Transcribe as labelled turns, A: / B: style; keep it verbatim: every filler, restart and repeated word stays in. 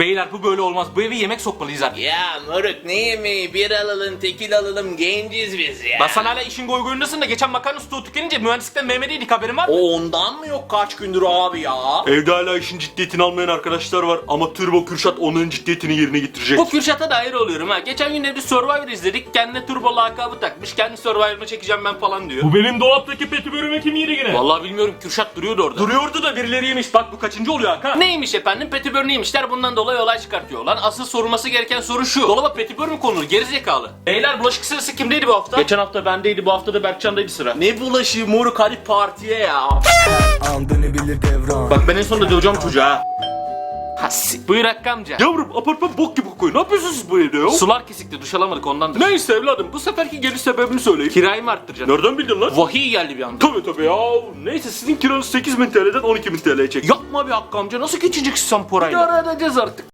A: Beyler bu böyle olmaz. Bu eve yemek sokmalıyız artık.
B: Ya moruk ne yemeği, bir alalım tekil alalım, genciz biz ya.
A: Lan sen hala işin goy goyundasın da geçen makarna stoğu tükenince mühendislikten Mehmet'iydik, haberin var mı?
B: O ondan mı yok kaç gündür abi ya?
C: Evde hala işin ciddiyetini almayan arkadaşlar var ama Turbo Kürşat onların ciddiyetini yerine getirecek.
A: Bu Kürşat'a dair oluyorum ha. Geçen gün evde Survivor izledik. Kendine turbo lakabı takmış. Kendi Survivor'ını çekeceğim ben falan diyor.
C: Bu benim dolaptaki petibörüme kim yedi gene?
A: Vallahi bilmiyorum, Kürşat duruyordu orada.
C: Duruyordu da birileri yemiş. Bak bu kaçıncı oluyor Hakan?
A: Neymiş efendim? Petibör neymişler? Bundan dolayı olay çıkartıyorlar. Asıl sorulması gereken soru şu: dolaba petibör mü konulur? Gerizekalı. Beyler bulaşık sırası kimdeydi bu hafta?
C: Geçen hafta bendeydi, bu hafta da Berkcan'daydı sıra.
B: Ne bulaşığı moruk, hadi partiye ya.
D: An dönebilir devran.
C: Bak ben en sonunda döveceğim çocuğa ha.
A: Hassi. Buyur Hakkı amca.
C: Yavrum apartman bok gibi kokuyor. Ne yapıyorsunuz siz bu evde ya?
A: Sular kesikti, duş alamadık ondandır.
C: Neyse evladım, bu seferki geliş sebebini söyleyin.
A: Kirayı mı arttıracaksın?
C: Nereden bildin lan?
A: Vahiy geldi bir anda.
C: Tabii tabii ya. Neyse sizin kiranız sekiz bin T L'den on iki bin T L'ye çek.
A: Yapma bir Hakkı amca, nasıl geçeceksin sen parayla?
C: İdare edeceğiz artık.